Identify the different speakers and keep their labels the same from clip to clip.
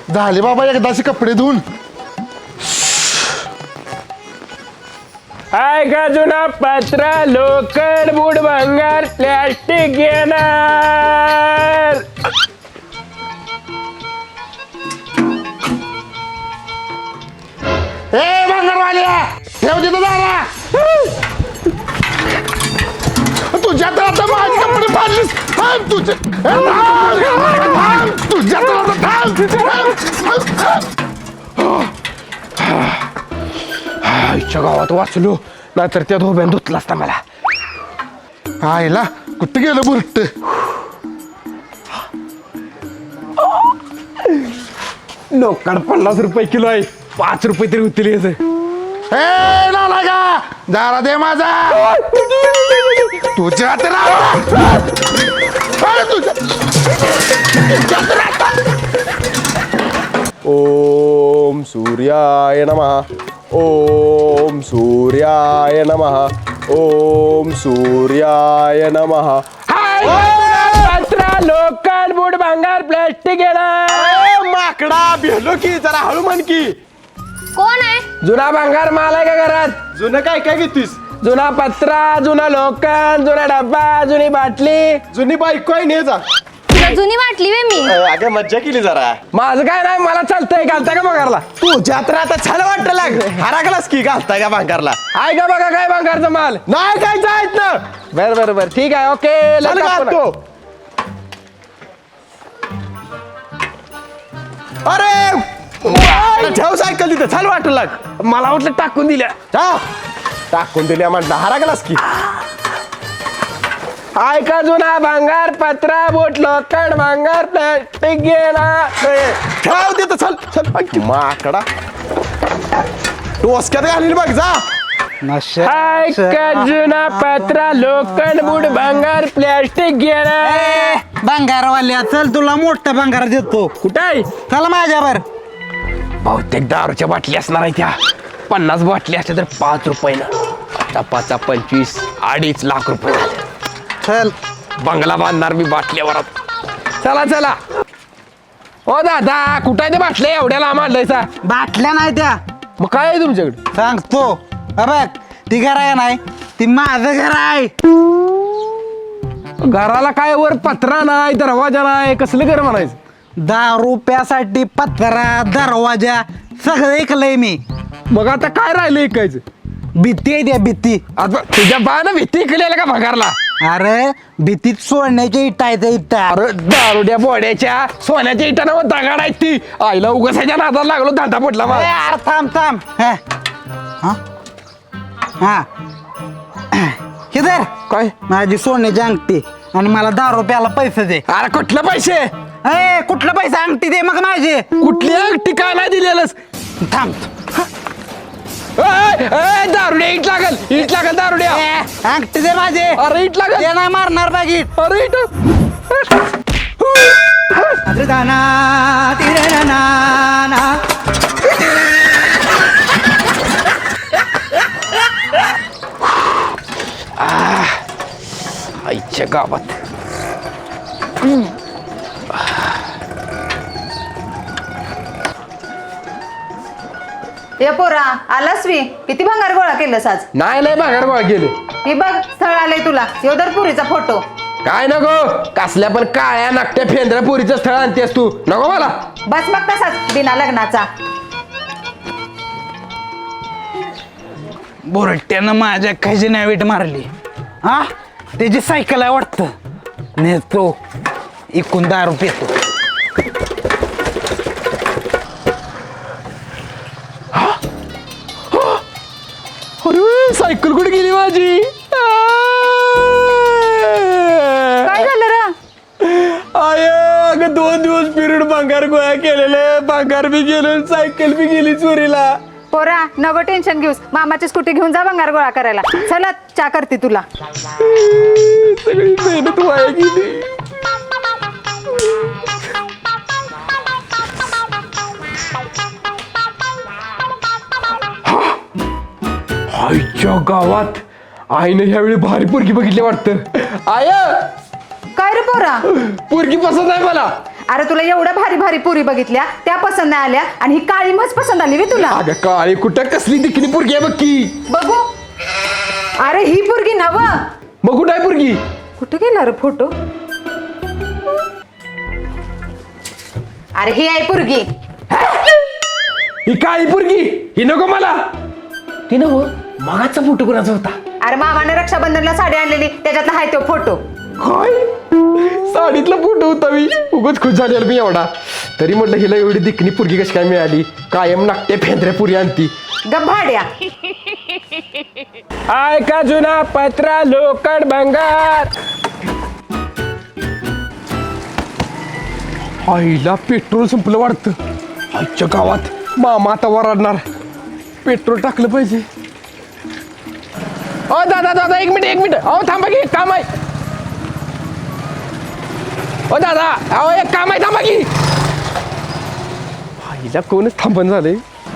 Speaker 1: झाले बाबा एकदाचे कपडे धुवून.
Speaker 2: हाय का जुना पत्रा लोकल बुड भंगार प्लॅस्टिक घेणार.
Speaker 1: ए भंगारवाल्या ठेव तिथं दारा. तुझ्या तर आता माझे कपडे फाडलीस. थांब तुझे तुझ्या तर आता
Speaker 2: आईच्या गावात वाचलो नाहीतर त्या धोब्यान धुतला असता मला.
Speaker 1: आईला कुठं गेलं बुरट.
Speaker 2: लोकड 50 रुपये किलो आहे. 5 रुपये तरी होतील याचं.
Speaker 1: ए नाला का दारा दे माझा. तुझ्या तर
Speaker 2: ओम सूर्याय नमः. ओम सूर्याय नमः. ओम सूर्याय नमः. पत्रा लोकल बुड भंगार प्लॅस्टिक घेणार. माकडा भेलो की जरा हळू म्हण की.
Speaker 3: कोण आहे?
Speaker 2: जुना भंगार माल आहे का घरात?
Speaker 4: जुनं काय काय घेतोस?
Speaker 2: जुना पत्रा जुना लोकल जुना डब्बा जुनी बाटली.
Speaker 4: जुनी बायको आहे ने जा.
Speaker 3: तुला जुनी वाटली वे मी.
Speaker 4: अगं मज्जा केली जरा.
Speaker 2: माझं काय नाही मला चालतंय. घालता का भंगारला?
Speaker 4: तू जात्रा आता छान वाटत लाग हरागलास की घालताय का भांगारला?
Speaker 2: आहे का बघा काय भंगारचा माल?
Speaker 4: नाही काय जायत ना.
Speaker 2: बर बर बर ठीक आहे ओके.
Speaker 4: चल घालतो. अरे ठेव सायकल तिथं छान वाटत लाग.
Speaker 2: मला वाटलं टाकून दिल्या.
Speaker 4: जा टाकून दिल्या म्हटलं हरागलास की.
Speaker 2: आहे का जुना भंगार पत्रा बोट लोकड भंगार प्लॅस्टिक घेणार.
Speaker 4: ठेव तिथं चल चल माकडा टोसक्यात घालील बघ जा.
Speaker 2: हाय का जुना पत्रा लोकल बुड भंगार प्लॅस्टिक घेणार.
Speaker 5: भंगारवाल्या चल तुला मोठा भंगार देतो.
Speaker 2: कुठं आहे?
Speaker 5: चल माझ्यावर.
Speaker 2: बहुतेक दारूच्या बाटली असणार आहे त्या. 50 बाटली असल्या तर 5 रुपयानं. आता 5 25 2.5 लाख रुपये झाले.
Speaker 5: चल
Speaker 2: बंगला बांधणार मी बाटल्यावर. चला चला. ओ दादा कुठं आहे ते बाटल्या एवढ्या लांब आणलायचा?
Speaker 5: बाटल्या नाही त्या.
Speaker 2: मग काय आहे तुमच्याकडे?
Speaker 5: सांगतो. बघ ती घर आहे नाही ती माझं घर आहे.
Speaker 2: घराला काय वर पत्रा नाही दरवाजा नाही कसलं घर म्हणायचं?
Speaker 5: 10 रुपयासाठी पत्रा दरवाजा सगळं ऐकलंय मी.
Speaker 2: मग आता काय राहिलं ऐकायचं?
Speaker 5: भीती आहे त्या भीती.
Speaker 2: आता तुझ्या बानं भीती केलेलं का भंगारला?
Speaker 5: अरे भीतीत सोडण्याच्या इटा आहे त्या इटा.
Speaker 2: अरे दारुड्या बोड्याच्या सोन्याच्या इटानं दगाड आहेत ती. आईला उगासाच्या नादाला लागलो धाटा पडला मला.
Speaker 5: यार थांब थांब. हा हा हे धर
Speaker 2: काय?
Speaker 5: माझी सोन्याची अंगठी आणि मला 10 रुपयाला पैसे दे.
Speaker 2: अरे कुठलं पैसे?
Speaker 5: ए कुठलं पैसे अंगठी दे मग माझे.
Speaker 2: कुठली अंगठी काय नाही दिलेलंस?
Speaker 5: थांब.
Speaker 2: दारुड्या इट लागल दारुड्या.
Speaker 5: अंगठी दे माझे.
Speaker 2: अरे इट लागल.
Speaker 5: ते नाही मारणार बागीत.
Speaker 2: अरे इट आईच्या गावात.
Speaker 6: ये पोरा आलास वी किती भंगार गोळा केलंस आज?
Speaker 2: नाही भंगार गोळा गेले.
Speaker 6: ही बघ स्थळ आलंय तुला. योदर पुरीचा फोटो.
Speaker 2: काय नको कसल्या पण काळ्या नाकट्या फेंद्रा पुरीचं स्थळ आणतेस तू. नको मला.
Speaker 6: बस मग तसाच बिना लग्नाचा.
Speaker 5: बोरट्यानं माझ्या खजिन्या वीट मारली. हा त्याची सायकल आहे वाटतं. नेतो एकूण 10 रुपये येतो.
Speaker 2: अरे सायकल कुठे गेली माझी?
Speaker 6: काय झालं रा?
Speaker 2: आय अगं 2 दिवस पिरियड भंगार गोळा केलेले. भंगार बी गेलो सायकल बी गेली चोरीला.
Speaker 6: पोरा नको टेन्शन घेऊस. मामाची स्कूटी घेऊन जा भंगार गोळा करायला. चला चा करते तुला.
Speaker 2: सगळी मेहनत वाया गेली. आईच्या गावात आईने ह्यावेळी भारी पोरगी बघितली वाटतं. आय
Speaker 6: काय रे पोरा?
Speaker 2: पोरगी पसंत आहे मला.
Speaker 6: अरे तुला एवढ्या भारी भारी पुरी बघितल्या त्या पसंत नाही आल्या आणि ही काळी मच पसंत आली वे तुला.
Speaker 2: अगं काळी कुठं कसली दिखणी पोरगी आहे बघ की.
Speaker 6: बघू. अरे ही पुरगी नव.
Speaker 2: मग कुठं आहे पोरगी?
Speaker 6: कुठे गेला रे फोटो? अरे ही आहे पुरगी.
Speaker 2: ही काळी पोरगी ही नको मला. ती नको मगाचा फोटो कोणाचा होता?
Speaker 6: अरे मामाने रक्षाबंधनला साडी आणलेली त्याच्यातला आहे तो फोटो.
Speaker 2: काय साडीतला फोटो होता मी. उगाच खुश झालेला मी एवढा. तरी म्हटलं हिला एवढी दिखणी पोरगी कशी काय मिळाली? कायम नाट्य फेंद्र्या पुरी आणती.
Speaker 6: गभाड्या.
Speaker 2: आय का जुना पत्रा लोखंड भंगार. आईला पेट्रोल संपलं वाटतं. आजच्या गावात मामा आता वराडणार. पेट्रोल टाकलं पाहिजे. ओ दादा एक मिनिट अहो थांबा की काम आहे. ओ दादा अहो एक काम आहे थांबा की. आईला कोणच थांबण झाले.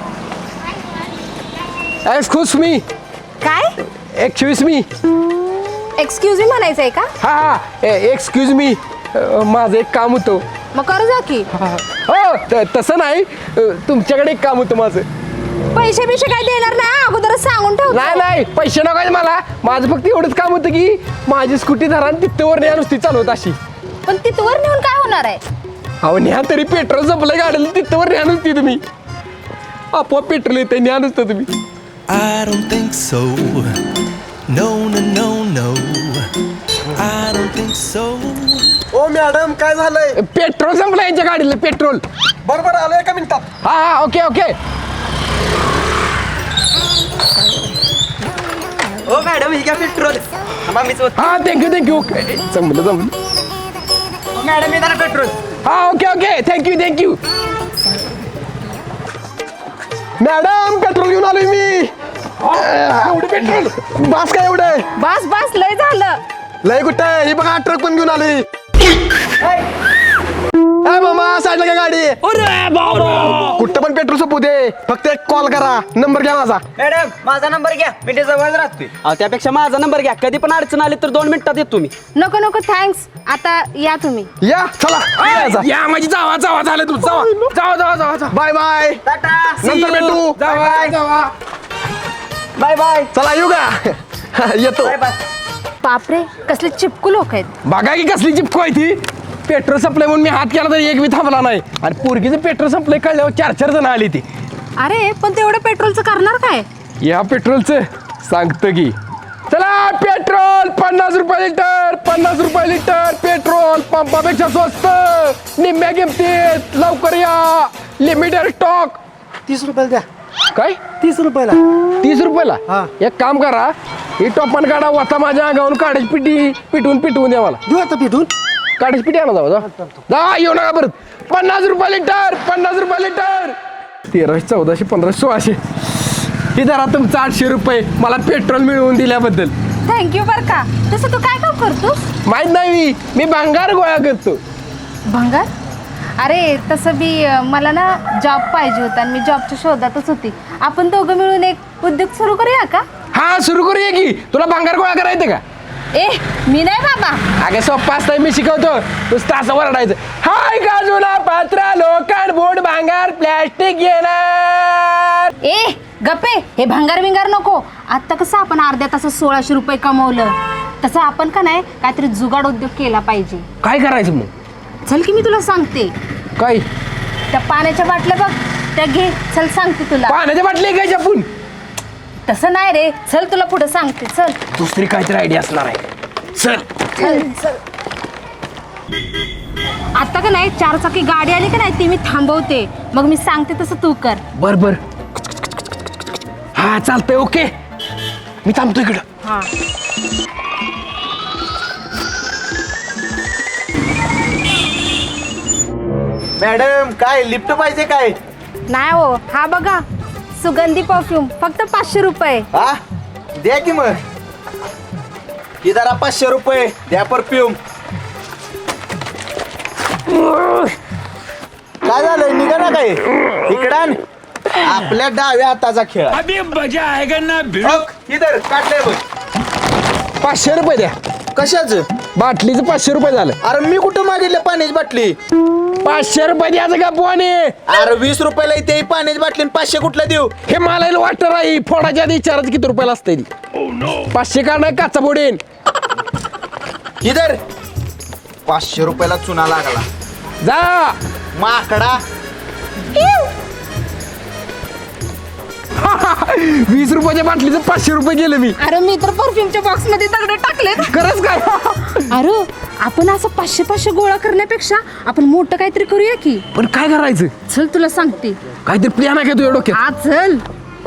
Speaker 2: Excuse me.
Speaker 3: काय
Speaker 2: एक्सक्यूज मी.
Speaker 3: एक्सक्यूज मी म्हणायचंय का?
Speaker 2: हा एक्सक्यूज मी. माझं एक काम होतं.
Speaker 3: मग कर जा की.
Speaker 2: हो तसं नाही. तुमच्याकडे एक काम होतं माझं.
Speaker 3: पैसे बिशे काय देणार नाही अगोदरच सांगून ठेव.
Speaker 2: नाही पैसे नका मला. माझं फक्त एवढंच काम होतं की माझी स्कूटी धरा आणि तिथवर न्या नुसती चालवत अशी.
Speaker 3: पण तिथवर नेऊन काय होणार आहे?
Speaker 2: अहो न्या तरी पेट्रोल संपलं गाडीला तिथवर न्या नुसती तुम्ही. आपोआप पेट्रोल येते न्या नुसतं तुम्ही.
Speaker 7: I don't think so. No, no, no, no. I don't think so.
Speaker 4: ओ मॅडम काय झालंय?
Speaker 2: पेट्रोल संपलं यांच्या गाडीला पेट्रोल.
Speaker 4: बरोबर आलो एका मिनिटात.
Speaker 2: हा ओके.
Speaker 8: ओ मॅडम ही घ्या पेट्रोल.
Speaker 2: हा थँक्यू जमलं.
Speaker 8: मॅडम हे जरा पेट्रोल.
Speaker 2: हा ओके थँक्यू. मॅडम पेट्रोल घेऊन आलोय मी. एवढं पेट्रोल बस काय एवढं?
Speaker 6: बस लय झालं.
Speaker 2: लय कुठं आहे? ही बघा ट्रक पण घेऊन आली. मामा साईडला काय गाडी? कुठं पण पेट्रोल संपू दे. फक्त एक कॉल करा. नंबर घ्या माझा.
Speaker 8: मॅडम माझा नंबर घ्या. मी जवळ राहतोय. त्यापेक्षा माझा नंबर घ्या. कधी पण अडचण आली तर 2 मिनिटात येतो मी.
Speaker 3: नको थँक्स. आता या तुम्ही.
Speaker 2: या चला या माझी जावा झालं तू. जावा बाय नंतर भेटू. जावा
Speaker 8: बाय बाय.
Speaker 2: चला येऊ का? येतो.
Speaker 3: बापरे कसले चिपकू लोक आहेत.
Speaker 2: बघा की कसली चिपको आहे ती. पेट्रोल संपलंय म्हणून मी हात केला तर एक बी थांबला नाही. आणि पोरगीचं पेट्रोल संपलंय कळल्यावर 4 जण आली ती.
Speaker 3: अरे पण तेवढं पेट्रोलचं करणार काय?
Speaker 2: या पेट्रोलचं सांगतो की. चला पेट्रोल 50 रुपये लिटर. 50 रुपये लिटर पेट्रोल पंपापेक्षा स्वस्त निम्म्या किमतीत. लवकर या. Limited stock.
Speaker 4: 30 रुपयाला द्या.
Speaker 2: काय
Speaker 4: 30 रुपयाला.
Speaker 2: 30 रुपयाला?
Speaker 4: हा.
Speaker 2: एक काम करा ही टोपण काढा वाता माझ्या अंगावरून काढायची पिटी पिटवून द्या मला.
Speaker 4: देऊ आता पिठून.
Speaker 2: काढायची पिटी आणा जा येऊ नका परत. 50 रुपये लिटर. 50 रुपये लिटर. 1300 1400 1500 1600. हे धरा तुमचं 800 रुपये मला पेट्रोल मिळवून दिल्याबद्दल.
Speaker 3: थँक्यू बर का. तसं तू काय काम करतोस?
Speaker 2: माहित नाही मी भंगार गोळा करतो.
Speaker 3: भंगार? अरे तसं बी मला ना जॉब पाहिजे होता आणि मी जॉबच्या शोधातच होती. आपण दोघं मिळून एक उद्योग सुरू करूया का?
Speaker 2: हा सुरू करूया की. तुला भंगार गोळा करायचं का?
Speaker 3: ए मी नाही बाबा.
Speaker 2: अगे सोप्पा असतं मी शिकवतो. नुसतं असं वरडायचं. हाय गाजूला पात्रा लोखंड बोर्ड भांगार प्लॅस्टिक येणार.
Speaker 3: ए गप्पे हे भंगार विंगार नको. आता कसं आपण अर्ध्या तासात 1600 रुपये कमवलं तसं आपण का नाही काहीतरी जुगाड उद्योग केला पाहिजे.
Speaker 2: काय करायचं मग?
Speaker 3: चल की मी तुला सांगते.
Speaker 2: काय?
Speaker 3: त्या पाण्याच्या बाटल्या बघ त्या घे. चल सांगते तुला.
Speaker 2: पाण्याच्या बाटली काय आपण?
Speaker 3: तसं नाही रे. चल तुला पुढे सांगते. चल
Speaker 2: दुसरी काहीतरी आयडिया असणार आहे. चल.
Speaker 3: आता का नाही 4 चाकी गाडी आली का नाही ती मी थांबवते. मग मी सांगते तसं तू कर.
Speaker 2: बर हा चालतंय ओके. मी थांबतो इकडं.
Speaker 3: हा
Speaker 4: मॅडम काय लिफ्ट पाहिजे काय?
Speaker 3: नाही हो. हा बघा सुगंधी परफ्यूम फक्त 500 रुपये.
Speaker 4: हा द्या की मग. ही जरा 500 रुपये द्या परफ्यूम. काय झालं निघा ना काय इकडं आण. आपल्या डाव्या हाताचा खेळ. इधर काढलंय बघ.
Speaker 2: 500 रुपये द्या.
Speaker 4: कशाच?
Speaker 2: बाटलीचं 500 रुपये झालं.
Speaker 4: अरे मी कुठं मागितलं पाण्याची बाटली?
Speaker 2: 500 रुपये द्यायचं का पोहाने?
Speaker 4: अरे 20 रुपयाला इथे पाण्याची बाटली आणि 500 कुठला देऊ?
Speaker 2: हे मला वाटतं राही फोडाच्या आधी विचारायचं किती रुपयाला असते ती 500 का नाही काचा फोडेन.
Speaker 4: इधर 500 रुपयाला चुना लागला.
Speaker 2: जा
Speaker 4: माकडा
Speaker 2: 20 रुपयाच्या बाटलीचं 500 रुपये गेले मी.
Speaker 3: अरे मी तर परफ्यूमच्या बॉक्स मध्ये दगड टाकलेत.
Speaker 2: खरंच काय?
Speaker 3: अरे आपण असं 500 गोळा करण्यापेक्षा आपण मोठं काहीतरी करूया की.
Speaker 2: पण काय करायचं?
Speaker 3: चल तुला सांगते.
Speaker 2: काहीतरी प्लॅन आहे का तुझ्या डोक्यात?
Speaker 3: हा चल.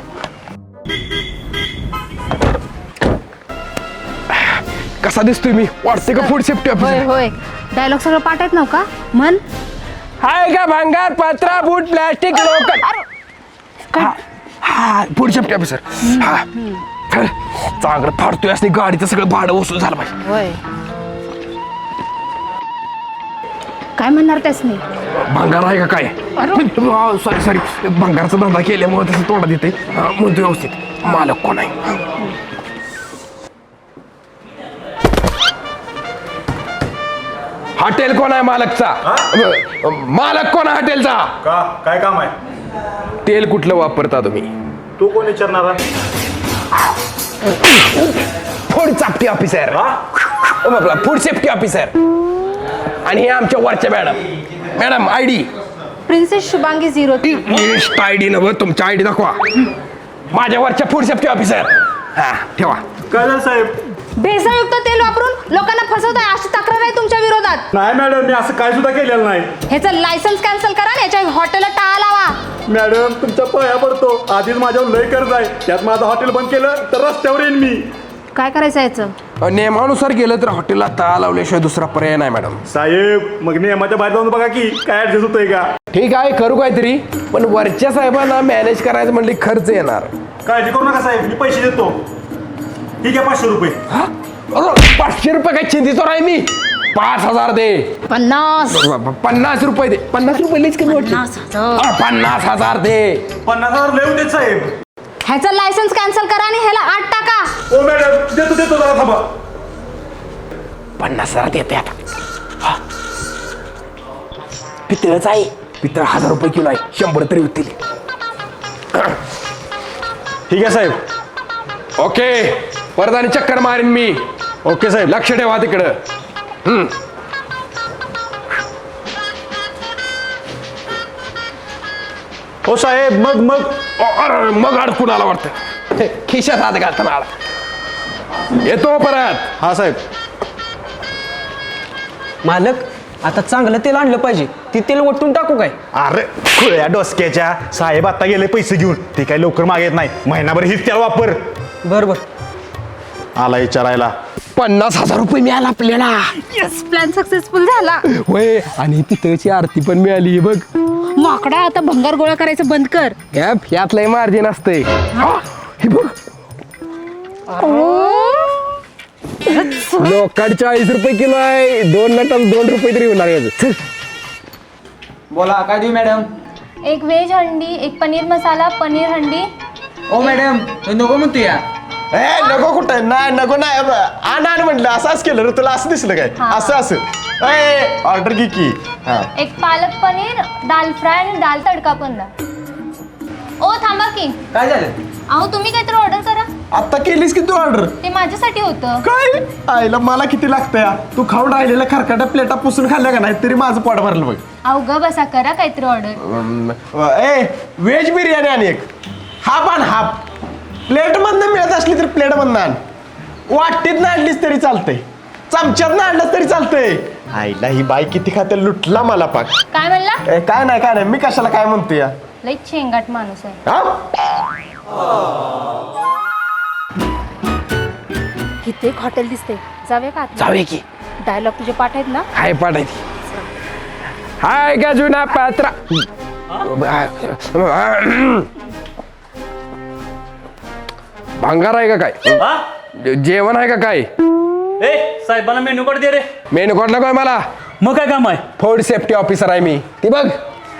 Speaker 2: कसा दिसतोय मी? वाटते का फूड सेफ्टी
Speaker 3: होय
Speaker 2: ऑफिसर?
Speaker 3: होय डायलॉग सगळं पाठ आहेत नव का मन.
Speaker 2: हाय का भांगार पत्रा बूट प्लास्टिक लोकल. हा फूड सेफ्टी ऑफिसर. हा चल चांगलं फाडतोय असं गाडीचं सगळं भाडं वसूल झालं पाहिजे.
Speaker 3: होय काय म्हणणार त्यास नाही.
Speaker 2: भंगार आहे का काय? सॉरी सॉरी भंगारचा धंदा केल्यामुळे तसं तोंडात येते. म्हणतो व्यवस्थित मालक कोण आहे? हॉटेल कोण आहे मालकचा? मालक कोण आहे हॉटेलचा?
Speaker 1: का काय काम आहे?
Speaker 2: तेल कुठलं वापरता तुम्ही?
Speaker 1: तू कोण विचारणार?
Speaker 2: Food safety officer. Food safety officer. आणि हे आमच्या वरच्या madam I D
Speaker 3: princess Shubhangi 03.
Speaker 2: I D नव्हतं तुमच्या आय डी दाखवा. माझ्या वरच्या फूड सेफ्टी ऑफिसर. हा ठेवा.
Speaker 1: काय झालं साहेब?
Speaker 3: भेसळयुक्त तेल वापरून लोकांना फसवताय अशी तक्रार आहे तुमच्या विरोधात.
Speaker 1: नाही मॅडम, मी असं काय सुद्धा केलेलं नाही.
Speaker 3: ह्याचं लायसन्स कॅन्सल करा आणि याच्या हॉटेलला टाळा लावा.
Speaker 1: मॅडम तुमच्या पाया पडतो, आधीच माझ्यावर लय कर्ज आहे. त्यात माझं हॉटेल बंद केलं तर रस्त्यावर येईन मी.
Speaker 3: काय करायचं याचं?
Speaker 2: नियमानुसार गेलं तर हॉटेलला ताळ लावल्याशिवाय दुसरा पर्याय नाही मॅडम.
Speaker 1: साहेब मग नियमाच्या बाहेर जाऊन बघा की काय ऍडजस्ट होतंय का.
Speaker 2: ठीक आहे करू काहीतरी, पण वरच्या साहेबांना मॅनेज करायचं म्हणले खर्च येणार.
Speaker 1: काळजी करू नका साहेब, मी पैसे देतो. ठीक आहे 500 रुपये.
Speaker 2: 500 रुपये काय चिंतीचोर आहे मी? 5000 दे. 50 रुपये दे. 50 रुपये लईच कमी वाटले. 50,000 दे.
Speaker 1: 50,000 लय होते साहेब.
Speaker 3: ह्याचं लायसन्स कॅन्सल करा आणि ह्याला 8 टाका.
Speaker 1: ओ मॅडम देतो जरा थांबा.
Speaker 2: 50,000 देते आता. पितळच आहे. पितळ 1000 रुपये किलो आहे. 100 तरी होतील.
Speaker 1: ठीक आहे साहेब.
Speaker 2: ओके परत आणि चक्कर मारीन मी.
Speaker 1: ओके साहेब.
Speaker 2: लक्ष ठेवा तिकडं.
Speaker 1: हो साहेब मग
Speaker 2: अरे मग अडकून आला वाटतं. खिशात हात घालताना आला. येतो परत.
Speaker 1: हा साहेब.
Speaker 8: मालक आता चांगलं तेल आणलं पाहिजे. ती तेल वटून टाकू काय?
Speaker 1: अरे खुळ्या डोसक्याच्या साहेब आता गेले पैसे घेऊन. ते काही लवकर मागत नाही. महिनाभर हीच त्याला वापर.
Speaker 8: बरं
Speaker 1: आला विचारायला.
Speaker 2: 50,000 रुपये मिळाला आपल्याला.
Speaker 3: यस प्लॅन सक्सेसफुल झाला.
Speaker 2: होय आणि पितळची आरती पण मिळाली. बघ
Speaker 3: माकडा आता भंगार गोळा करायचं बंद कर.
Speaker 2: यात लय मार्जिन असते. हे बघ लोकांचे 40 रुपये किलो आहे. 2 नटाला 2 रुपये तरी होणार याचं. चल.
Speaker 8: बोला काय देऊ मॅडम?
Speaker 9: एक व्हेज हंडी, एक पनीर मसाला, पनीर हंडी.
Speaker 8: ओ मॅडम नको म्हणतो या.
Speaker 4: नको कुठं नाही नको नाही आण म्हटलं. असंच केलं रे तुला. असं दिसलं काय? असं ऑर्डर की. हा
Speaker 9: एक पालक पनीर, दाल फ्राय आणि दाल तडका पण. ओ थांबा की.
Speaker 8: काय झालं?
Speaker 9: अहो तुम्ही काहीतरी ऑर्डर करा.
Speaker 4: आता केलीस की तू ऑर्डर?
Speaker 9: ते माझ्यासाठी होतं.
Speaker 4: काय आईला मला किती लागतं या. तू खाऊन राहिलेल्या खरकाट्या प्लेटा पुसून खाल्ल्या का नाही तरी माझं पोट भरलं बघ.
Speaker 9: अहो ग बसा करा काहीतरी ऑर्डर.
Speaker 4: व्हेज बिर्याणी आणि एक हाफ आणि हाफ. प्लेट मधनं मिळत असली तर प्लेट मधनं आण. वाटीत ना आणलीस तरी चालतंय. चमच्यात ना आणलं तरी चालतंय. आईला ही बाई किती खाते लुटला मला पाक.
Speaker 9: काय म्हणला?
Speaker 4: काय नाही मी कशाला काय म्हणतो या.
Speaker 9: लई चेंगाट माणूस आहे.
Speaker 3: इथे एक हॉटेल दिसते. जाऊया का?
Speaker 2: जाऊया की.
Speaker 3: डायलॉग तुझे पाठ आहेत ना?
Speaker 2: हाय पाठायची. हाय का जुना पात्रा. भंगार आहे का काय? जेवण आहे का काय?
Speaker 10: साहेबांना मेनू कार्ड दे रे.
Speaker 2: मेनू कार्ड नको मला.
Speaker 10: मग काय काम आहे?
Speaker 2: फूड सेफ्टी ऑफिसर आहे मी. ती बघ.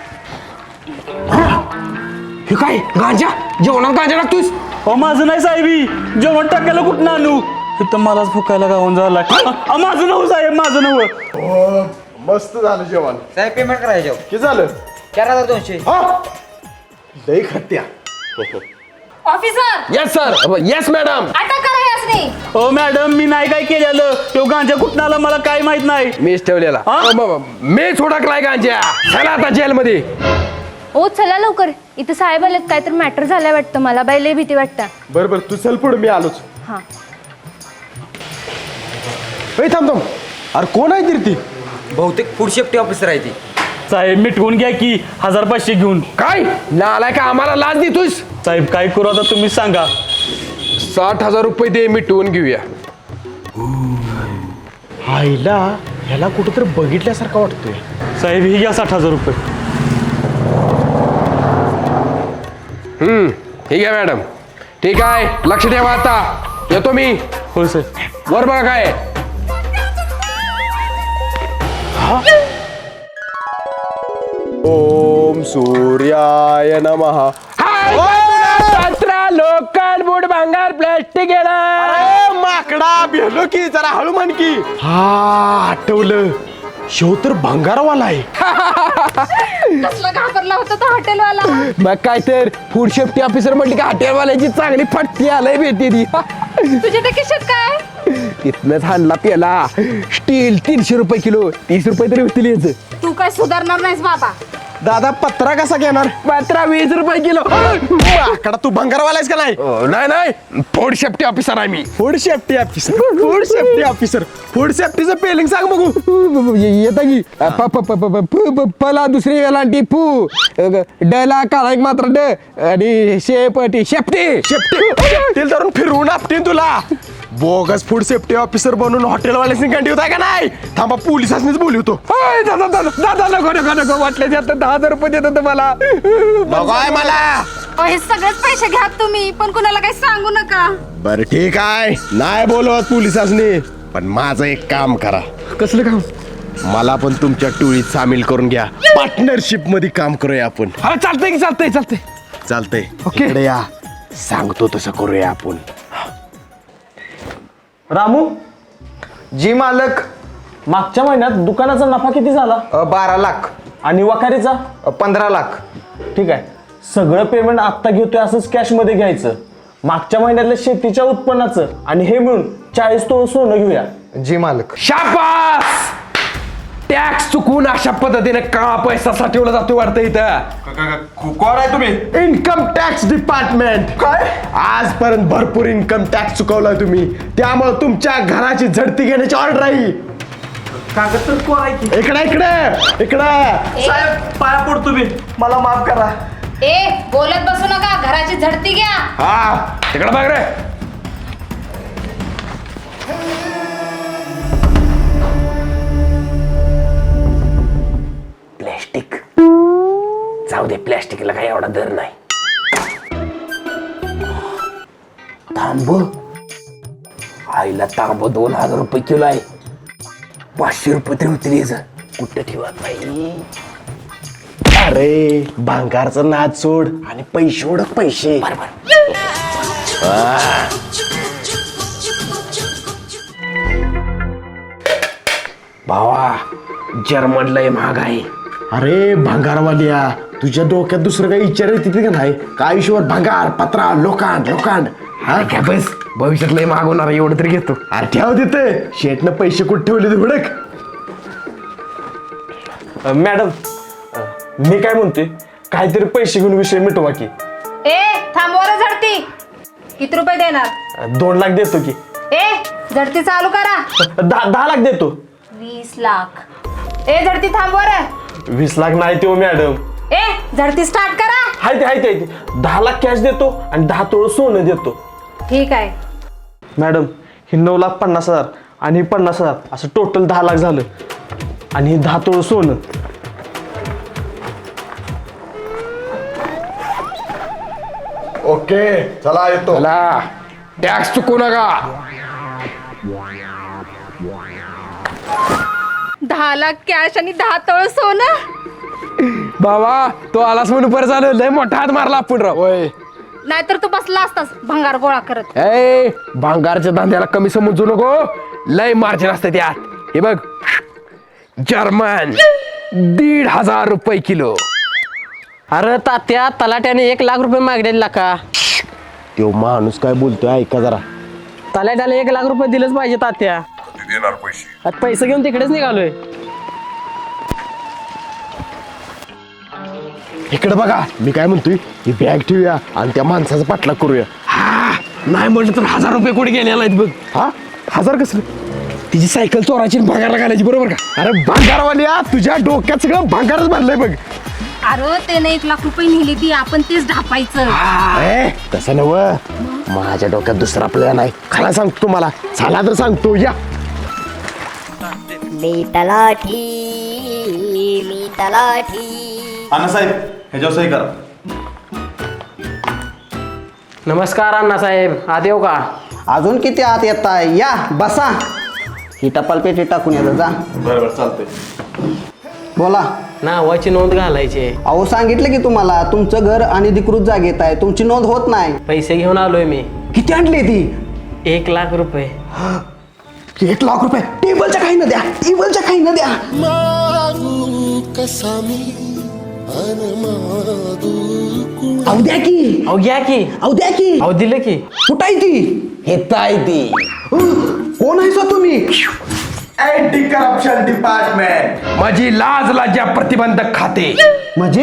Speaker 2: हे काय गांजा? जेवणात गांजा टाकतोस?
Speaker 10: हो माझं नाही साहेबी. जेवण टाकायला कुठं आणू? तर मलाच फुकायला गावून झाला. माझं नव साहेब माझं नव.
Speaker 4: मस्त झालं जेवण.
Speaker 8: साहेब पेमेंट करायचं
Speaker 4: किती झालं?
Speaker 8: 4200.
Speaker 4: हा लई खत्या.
Speaker 3: Officer
Speaker 2: yes sir yes madam.
Speaker 3: अटक करा यासनी.
Speaker 10: हो मॅडम मी नाही काय केलेलं तो गांजा कुठं आला मला काय माहित नाही.
Speaker 2: मीच ठेवलेला. मी सोडकलाय गांजा. चला आता जेलमध्ये.
Speaker 9: ओ चला लवकर, इथं साहेब आलेत, काय तर मॅटर झालंय वाटतं मला. बाई लय भीती वाटतं.
Speaker 4: बरं तू चल पुढे, मी आलोच.
Speaker 9: हा
Speaker 4: थांब. अरे कोण आहे तरी ती?
Speaker 8: बहुतेक फूड सेफ्टी ऑफिसर आहे ती.
Speaker 10: साहेब मिटवून घ्या की 1500 घेऊन.
Speaker 2: काय नालाय का आम्हाला लाच देतोयस?
Speaker 10: साहेब काय करू आता तुम्ही सांगा.
Speaker 2: 60,000 रुपये दे, मिटवून घेऊया.
Speaker 4: आईला ह्याला कुठंतरी बघितल्यासारखं वाटतोय.
Speaker 10: साहेब ही घ्या 60,000 रुपये.
Speaker 2: ठीक आहे मॅडम. ठीक आहे, लक्ष ठेवा. आता येतो मी.
Speaker 10: हो साहेब.
Speaker 2: वर बघा काय.
Speaker 4: ओम सूर्याय नमः.
Speaker 2: लोखंड बुट भांगार प्लॅस्टिक येणार.
Speaker 4: अरे माकडा भेलो की जरा हळू म्हण की. हा आठवलं, शेव तर भंगारवाला आहे.
Speaker 3: कसला घाबरला होता तो हॉटेलवाला.
Speaker 2: मग काय तर फूड सेफ्टी ऑफिसर म्हटली का हॉटेलवाल्याची चांगली फटकी आलंय भेटते ती.
Speaker 3: तुझ्या त्या खिशात काय?
Speaker 2: तिथनच हाणला पेला. स्टील 300 रुपये किलो. 30 रुपये तरी होतील याचं.
Speaker 3: तू काय सुधारणार नाहीस बाबा.
Speaker 4: दादा पत्रा कसा घेणार?
Speaker 2: मात्र 20 रुपये किलो.
Speaker 4: माकडा तू भंगारवाला आहेस का नाही?
Speaker 2: नाही फूड सेफ्टी ऑफिसर आहे मी.
Speaker 4: Food safety officer. Food safety officer. Food सेफ्टीचं पेलिंग सांग बघू.
Speaker 2: येता की पला दुसरी वेलांटी फू डला काळा एक मात्र ड आणि शेपटी शेपटी
Speaker 4: शेफ्टी धरून फिरवून आपटीन तुला. बोगस फूड सेफ्टी ऑफिसर बनून हॉटेलवाल्यासनी कंटी होताय का नाही? थांबा पोलिसांनीच बोलवतो.
Speaker 2: दादा नको वाटले 10,000 रुपये देतो तुम्हाला.
Speaker 4: बघाय मला.
Speaker 3: हे सगळेच पैसे घ्या तुम्ही, पण कुणाला काही सांगू नका.
Speaker 4: बरं ठीक आहे, नाही बोलवत पोलिसांनी. पण माझं एक काम करा.
Speaker 2: कसलं काम?
Speaker 4: मला पण तुमच्या टोळीत सामील करून घ्या. पार्टनरशिप मध्ये काम करूया आपण.
Speaker 2: हा चालतंय की चालतंय.
Speaker 4: चालतंय.
Speaker 2: ओके.
Speaker 4: इकडे या, सांगतो तसं करूया आपण.
Speaker 11: रामू जी मालक, मागच्या महिन्यात दुकानाचा नफा किती झाला?
Speaker 8: 12 लाख.
Speaker 11: आणि वखारीचा?
Speaker 8: 15 लाख.
Speaker 11: ठीक आहे, सगळं पेमेंट आत्ता घेतोय असंच कॅश मध्ये घ्यायचं. मागच्या महिन्यातल्या शेतीच्या उत्पन्नाचं आणि हे मिळून 40 तोळ सोनं घेऊया.
Speaker 8: जी मालक.
Speaker 2: शाबास. टॅक्स चुकवून अशा पद्धतीने का पैसा साठवला जातो वाटतं इथं.
Speaker 4: कोण आहे तुम्ही? Income tax department. काय? आजपर्यंत भरपूर इन्कम टॅक्स चुकवलाय तुम्ही, त्यामुळे तुमच्या घराची झडती घेण्याची ऑर्डर आहे.
Speaker 11: कागद तर कोण आहे की?
Speaker 4: इकडे
Speaker 11: साहेब पाया पडतो मी, मला माफ करा.
Speaker 3: बोलत बसू नका, घराची झडती घ्या.
Speaker 2: हा तिकडे बघ रे. प्लॅस्टिक जाऊ दे, प्लॅस्टिकला काही एवढा दर नाही. तांब आईला तांब 2,000 रुपये किलो आहे. 500 रुपये तरी होतील याचं. कुठं ठेवत नाही.
Speaker 4: अरे भांगारचं नाद सोड आणि पैसे ओढक. पैसे
Speaker 2: भावा जर्मन लय महाग आहे.
Speaker 4: अरे भंगारवालिया, तुझ्या डोक्यात दुसरं काही विचार येते का नाही? काय आयुष्यभर भंगार पत्रा लोकांड.
Speaker 2: हा काय बस, भविष्यात लय महाग होणार एवढं तरी घेतो.
Speaker 4: अरे ठेव तिथे. शेटनं पैसे कुठे ठेवले ते हुडक.
Speaker 11: मॅडम मी काय म्हणतोय, काहीतरी पैसे घेऊन विषय मिटवा की.
Speaker 3: थांबवा रे झडती. किती रुपये देणार?
Speaker 11: 2 लाख देतो की.
Speaker 3: झडती चालू करा.
Speaker 11: 10 लाख देतो.
Speaker 3: 20 लाख. झडती थांबवा रे.
Speaker 11: 20 लाख नाही देऊ मॅडम.
Speaker 3: झडती स्टार्ट करा.
Speaker 11: हाय ते 10 लाख कॅश देतो आणि 10 तोळ सोनं देतो.
Speaker 3: ठीक आहे.
Speaker 11: मॅडम ही 9,50,000 आणि 50,000 असं टोटल 10 लाख झालं. आणि 10 तोळ सोनं.
Speaker 4: ओके चला येतो.
Speaker 2: चला टॅक्स चुकू नका.
Speaker 3: 10 लाख कॅश आणि 10 तोळ सोनं.
Speaker 2: बाबा तो आलास म्हणून बरं झालं. लय मोठा हात मारला आपण राव.
Speaker 3: नाहीतर तू बसला असतास भंगार गोळा करत.
Speaker 2: भांगारच्या धंद्याला कमी समजू नको. लय मार्जिन असते त्यात. हे बघ जर्मन 1,500 रुपये किलो.
Speaker 8: अरे तात्या तलाट्याने 1,00,000 रुपये मागलेला का?
Speaker 4: तो माणूस काय बोलतोय ऐका जरा.
Speaker 8: तलाट्याला 1,00,000 रुपये दिलंच पाहिजे तात्या. आता पैसे घेऊन तिकडेच निघालोय.
Speaker 4: इकडे बघा मी काय म्हणतोय ही बॅग ठेवूया आणि त्या माणसाचा पाठलाग करूया.
Speaker 2: नाही म्हटलं तर 1,000 रुपये कोणी गेले नाहीत बघ.
Speaker 4: हा 1000 कसलं?
Speaker 2: तिची सायकल चोराची भांगारला घालायची बरोबर का?
Speaker 4: अरे भांगारवाल्या तुझ्या डोक्यात सगळं भांगारच भरलंय बघ.
Speaker 3: अरे त्याने 1,00,000 रुपये नेली ती आपण तेच ढापायचं.
Speaker 4: तसं नव माझ्या डोक्यात दुसरा प्लॅन आहे. खरा सांगतो तुम्हाला चला तर सांगतो या.
Speaker 12: मी तलाठी.
Speaker 1: अण्णासाहेब ह्याच्यावर सही करा.
Speaker 8: नमस्कार अण्णासाहेब, आत येऊ का?
Speaker 5: अजून किती आत येताय? या बसा. ही टपाल पेटी टाकून येतं जा.
Speaker 1: बरोबर चालतंय.
Speaker 5: बोला.
Speaker 8: नावाची नोंद घालायची.
Speaker 5: अहो सांगितलं की तुम्हाला तुमचं घर अनधिकृत जागेत आहे, तुमची नोंद होत नाही.
Speaker 8: पैसे घेऊन आलोय मी.
Speaker 5: किती आणली ती?
Speaker 8: 1,00,000 रुपये.
Speaker 5: 1,00,000 रुपये टेबलच्या काही न द्या, टेबलच्या काही न द्या. अहो द्या की.
Speaker 8: अहो घ्या की.
Speaker 5: अहो द्या की.
Speaker 8: अहो दिलं की.
Speaker 5: कुठं आहे ती? येत आहे ती. कोण आहे सर तुम्ही?
Speaker 1: Anti corruption department.
Speaker 2: माझी लाज लाज्या प्रतिबंधक खाते.
Speaker 5: म्हणजे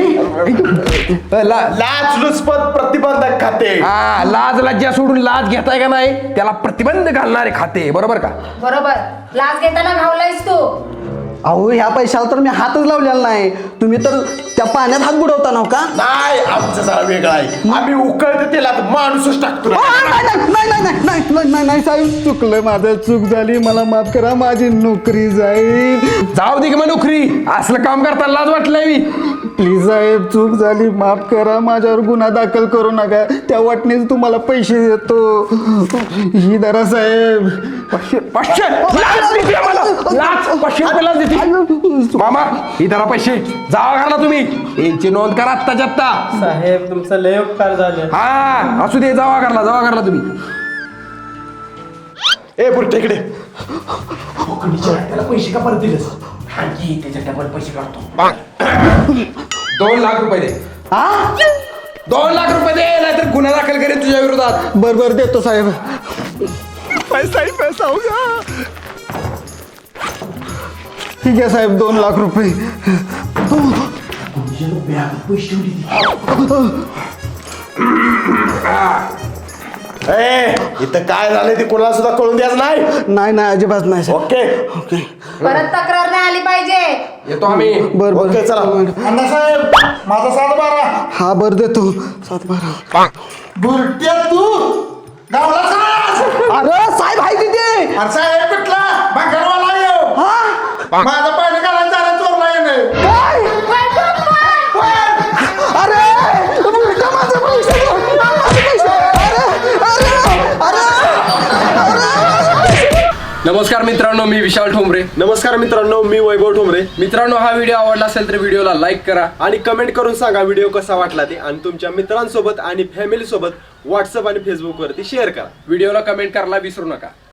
Speaker 1: लाचलुचपत प्रतिबंधक खाते.
Speaker 2: हा, लाज लज्जा सोडून लाज घेताय का नाही त्याला प्रतिबंध घालणारे खाते बरोबर का?
Speaker 3: बरोबर. लाच घेताना घावलायस तू.
Speaker 5: अहो ह्या पैशाला तर मी हातच लावलेला नाही. तुम्ही तर त्या पाण्यात हात बुडवता ना का?
Speaker 4: नाही आमचं जरा वेगळं आहे. आम्ही उकळते तेलात माणूसच टाकतो.
Speaker 5: नाही साहेब चुकलं, माझं चूक झाली, मला माफ करा, माझी नोकरी जाईल.
Speaker 2: जाऊ दे की मग नोकरी. असलं काम करताना लाज वाटलंय मी.
Speaker 5: प्लीज साहेब चूक झाली, माफ करा, माझ्यावर गुन्हा दाखल करू नका. त्या वाटणीच तुम्हाला पैसे देतो. ही धरा साहेब.
Speaker 2: 500 लाच देते आम्हाला. लाच 500 रुपये लाच देते. मामा ही धरा पैसे. जावा घाला तुम्ही. यांची नोंद करा आत्ताच्या आत्ता.
Speaker 8: साहेब तुमचा लय उपकार झाले.
Speaker 2: हा असू दे. जावा घरला तुम्ही.
Speaker 4: ए बुरटे इकडे.
Speaker 2: त्याला पैसे का परत दिलेस? त्याच्या डबल पैसे काढतो. 2,00,000 रुपये दे. 2,00,000 रुपये दे नाहीतर गुन्हा दाखल करेन तुझ्या विरोधात.
Speaker 5: बरोबर देतो साहेब.
Speaker 4: पैसा ही पैसा होगा.
Speaker 5: ठीक आहे साहेब 2,00,000 रुपये.
Speaker 4: इथं काय झालंय ते कोणाला सुद्धा कळून द्यायचं नाही.
Speaker 5: नाही अजिबात नाही साहेब.
Speaker 4: ओके
Speaker 3: परत तक्रार नाही आली पाहिजे.
Speaker 2: येतो आम्ही.
Speaker 5: बरं
Speaker 4: ओके चला.
Speaker 1: अण्णासाहेब माझा 712.
Speaker 5: हा बरं देतो 7-12.
Speaker 1: बुरट्या तू गावला सास.
Speaker 5: अरे साहेब आहे तिथे.
Speaker 1: अरे साहेब कुठला भाकरवाला येऊ. माझा पाणी घालायला चालत चोरला येणे.
Speaker 5: अरे माझे पैसे.
Speaker 2: नमस्कार मित्रांनो, मी विशाल ठोंबरे.
Speaker 4: नमस्कार मित्रांनो, मी वैभव ठोंबरे.
Speaker 2: मित्रांनो हा व्हिडिओ आवडला असेल तर व्हिडिओला लाईक करा
Speaker 4: आणि कमेंट करून सांगा व्हिडिओ कसा वाटला ते. आणि तुमच्या मित्रांसोबत आणि फॅमिली सोबत व्हॉट्सअप आणि फेसबुक वरती शेअर करा.
Speaker 2: व्हिडिओला कमेंट करायला विसरू नका.